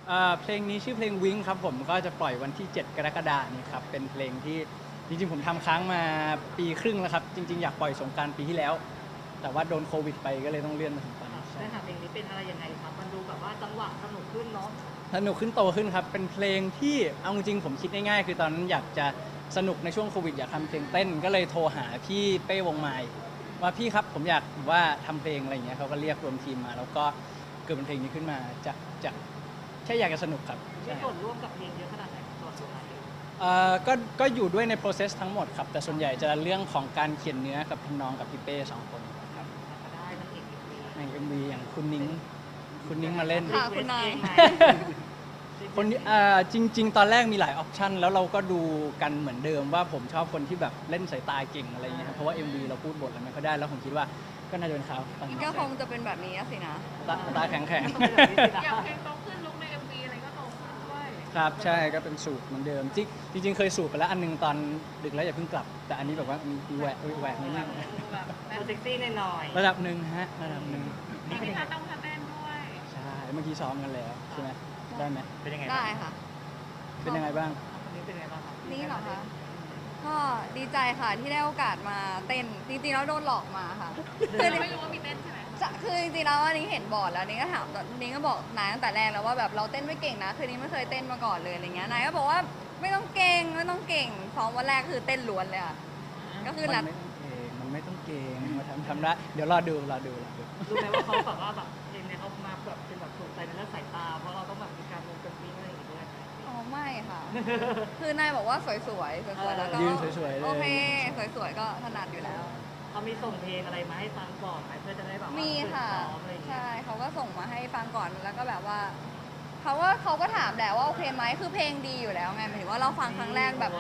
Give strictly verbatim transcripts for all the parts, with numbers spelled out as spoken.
เอ่อเพลงนี้ชื่อเพลงวิงครับผมก็จะปล่อยวันที่เจ็ดกรกฎาคมนี้ครับเป็นเพลงที่จริงๆผมทำค้างมาปีครึ่งแล้วครับจริงๆอยากปล่อยสงกรานต์ปีที่แล้ว แต่ว่าโดนโควิดไปก็เลยต้องเลื่อนมาถึงตอนนี้ใช่เนื้อหาเพลงนี้เป็นอะไรยังไงครับมันดูแบบว่าจังหวะสนุกขึ้นเนาะสนุกขึ้นโตขึ้นครับเป็นเพลงที่เอาจริงๆผมคิดง่ายๆคือตอนนั้นอยากจะสนุกในช่วงโควิดอยากทำเพลงเต้นก็เลยโทรหาพี่เป้วงไม้ว่าพี่ครับผมอยากว่าทำเพลงอะไรอย่างเงี้ยเขาก็เรียกรวมทีมมา แล้วก็เกิดเป็นเพลงนี้ขึ้นมาจากจากแค่อยากจะสนุกครับมีใช่ส่วนร่วมกับเพลงเยอะขนาดไหนตัวตัวไหนเองเอ่อก็ก็อยู่ด้วยใน process ทั้งหมดครับแต่ส่วนใหญ่จะเรื่องของการเขียนเนื้อกับพี่น้องกับพี่เป้สองคนครับก็ได้นางเอกเอ็มวีใน เอ็ม วี อย่างคุณนิ้งคุณนิ้งมาเล่นค่ะคุณนายคนนี้อ่าจริง ๆ ตอนแรกมีหลายออปชันแล้วเราก็ดูกันเหมือนเดิมว่าผมชอบคนที่แบบเล่นสายตาเก่งอะไรอย่างเงี้ยครับเพราะว่า เอ็ม วี เราพูดบทอะไรไม่ค่อยได้แล้วผมคิดว่าก็น่าจะเป็นเขาตอนนี้ก็คงจะเป็นแบบนี้สินะตาตาแข็งแข็งอย่างเพลงโตขึ้นลุกใน เอ็ม วี อะไรก็โตขึ้นด้วยครับใช่ก็เป็นสูตรเหมือนเดิมจริงจริง ๆ เคยสูตรไปแล้วอันนึงตอนดึกแล้วอย่าเพิ่งกลับ แต่อันนี้แบบว่ามีแหวกแหวกนิดนึงแบบตัวเซ็กซี่หน่อยระดับหนึ่งฮะระดับหนึ่งมีพิธาต้องทำเต้นด้วยใช่เมื่อกี้ซ้อมกันแล้วใช่ไหมได้ไหมเป็นยังไงได้ค่ะเป็นยังไงบ้างคนนี้เป็นยังไงบ้างครับนี่เหรอคะ ก็ดีใจค่ะที่ได้โอกาสมาเต้น จริงๆแล้วโดนหลอกมาค่ะ คือเราไม่รู้ว่ามีเต้นใช่ไหมจะคือจริงๆแล้วอันนี้เห็นบอร์ดแล้วนี่ก็ถามนี่ก็บอกนายตั้งแต่แรกแล้วว่าแบบเราเต้นไม่เก่งนะ คือนี้ไม่เคยเต้นมาก่อนเลยอะไรเงี้ย นายก็บอกว่าไม่ต้องเก่งไม่ต้องเก่งซ้อมวันแรกคือเต้นล้วนเลยค่ะ ก็คือมันัดนไม่ต้องเก่งมันไม่ต้องเก่งมาทำทำได้เดี๋ยวรอดูรอดูรอดูรู้ไหมว่าเขาแบบว่าแบบเพลงเนี้ยเขามาแบบเป็นแบบสนใจในเรื่องสายตาเพราะเราต้องแบบมีการลงกันวิ่งอะไรอย่างเงี้ยด้วยอ๋อไม่ค่ะ คือนายบอกว่าสวยๆ สวยๆ แล้วก็ยืนสวยๆเลยโอเค สวยๆ ก็ถนัดอยู่แล้วเขามีส่งเพลงอะไรมาให้ฟังก่อนไหมเพื่อจะได้แบบว่ามีค่ะฝึกซ้อมอะไรอย่างเงี้ยใช่เขาก็ส่งมาให้ฟังก่อนแล้วก็แบบว่าเขาก็เขาก็ถามแหละว่าโอเคไหมคือเพลงดีอยู่แล้วไงหมายถึงว่าเราฟังครั้งแรกแบบ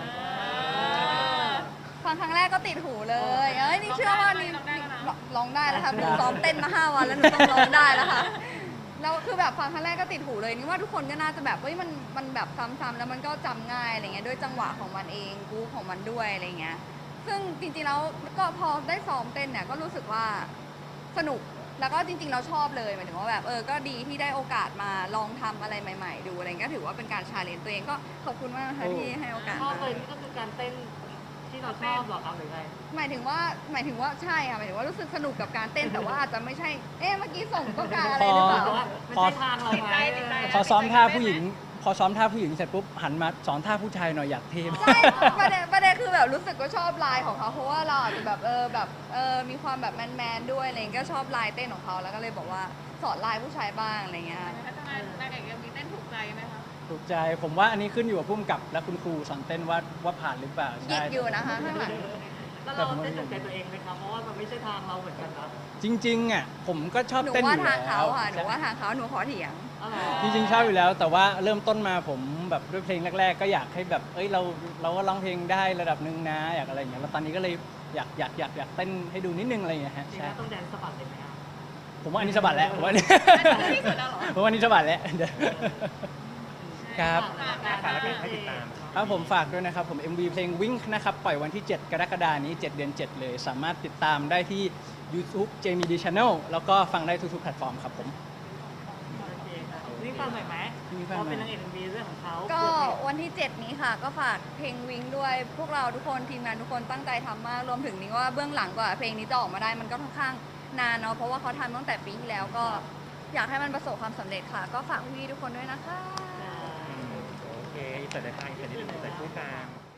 ฟังครั้งแรกก็ติดหูเลยเอ้ยนี่เชื่อว่านี่ร้องได้แล้วค่ะหนูซ้อมเต้นมาห้าวันแล้วหนูต้องร้องได้แล้วค่ะแล้วคือแบบฟังครั้งแรกก็ติดหูเลยนี่ว่าทุกคนก็น่าจะแบบเฮ้ยมันมันแบบซ้ำๆแล้วมันก็จำง่ายอะไรเงี้ยด้วยจังหวะของมันเองกู๊ของมันด้วยอะไรเงี้ยซึ่งจริงๆแล้วก็พอได้ซ้อมเต้นเนี่ยก็รู้สึกว่าสนุกแล้วก็จริงๆเราชอบเลยหมายถึงว่าแบบเออก็ดีที่ได้โอกาสมาลองทำอะไรใหม่ ๆ ดูอะไรเงี้ยก็ถือว่าเป็นการชาเลนจ์ตัวเองก็ขอบคุณมากนะคะที่ให้โอกาสชอบมาเลยนี่ก็คือการเต้นที่เราชอบเหรอครับหรือไงหมายถึงว่าหมายถึงว่าใช่ค่ะหมายถึงว่ารู้สึกสนุกกับการเต้นแต่ว่าอาจจะไม่ใช่ เอ๊ะเมื่อกี้ส่งต้องการอะไรหรือเปล่าแต่ว่าไม่ใช่ทางเราไหมพอซ้อมท่าผู้หญิง พอซ้อมท่าผู้หญิงเสร็จปุ๊บหันมาสอนท่าผู้ชายหน่อยอยากเทมากใช่ประเด็นประเด็นคือแบบรู้สึกก็ชอบลายของเขาเพราะว่าเราอาจจะแบบเออแบบเออมีความแบบแมนๆด้วยอะไรเงี้ยก็ชอบลายเต้นของเขาแล้วก็เลยบอกว่าสอนลายผู้ชายบ้างอะไรเงี้ยพัฒนานางเอก เอ็ม วี เต้นถูกใจไหมคะถูกใจผมว่าอันนี้ขึ้นอยู่กับผู้กำกับและคุณครูสอนเต้นว่าว่าผ่านหรือเปล่ายิใช่กอยู่นะคะข้างหลังแล้วเราเต้นจากใจตัวเองไหมครับเพราะว่ามันไม่ใช่ทางเราเหมือนกันนะจริงๆอ่ะผมก็ชอบหนูเต้นอว่ายู่ทางแล้เขาวค่ะหนูว่าทางเขาหนูขอเถียงอ๋อเหรอจริงๆชอบอยู่แล้ว แต่ว่าเริ่มต้นมาผมแบบด้วยเพลงแรก ๆ ก็อยากให้แบบเอ้ยเราเราก็ร้องเพลงได้ระดับหนึ่งนะอยากอะไรอย่างเงี้ยแล้วตอนนี้ก็เลยอยากอยากอยากอยากเต้นให้ดูนิดนึงอะไรอย่างเงี้ยฮะจริงใช่ๆต้องแดนสะบัดเลยไหมครับผมว่าอันนี้สะบัดแล้วผมว่าอันนี้ที่สุดแล้วเหรอผมว่าอันนี้สะบัดแล้วเดี๋ยว ครับฝากแล้วให้ติดตามครับผมฝากด้วยนะครับ ผม เอ็ม วี เพลง Wink นะครับ ปล่อยวันที่ เจ็ด กรกฎาคมนี้ เจ็ด เดือน เจ็ด เลย สามารถติดตามได้ที่ YouTube Jamie D Channel แล้วก็ฟังได้ทุกๆแพลตฟอร์มครับผมโอเคครับนี่ฟังหน่อยไหมนี่ฟังหน่อยเพราะเป็นนางเอกเอ็มวีเรื่องของเขาก็วันที่ เจ็ด นี้ค่ะ ก็ฝากเพลงวิงด้วย พวกเราทุกคนทีมงานทุกคนตั้งใจทำมาก รวมถึงนี้ว่าเบื้องหลังกว่าเพลงนี้จะออกมาได้มันก็ค่อนข้างนานเนาะเพราะว่าเขาทำตั้งแต่ปีที่แล้วก็อยากให้มันประสบความสำเร็จค่ะ ก็ฝากพี่ๆทุกคนด้วยนะคะอ่าโอเคอินเสิร์ตได้ป่ะอินเสิร์ตนิดนึงอินเสิร์ตคู่กลาง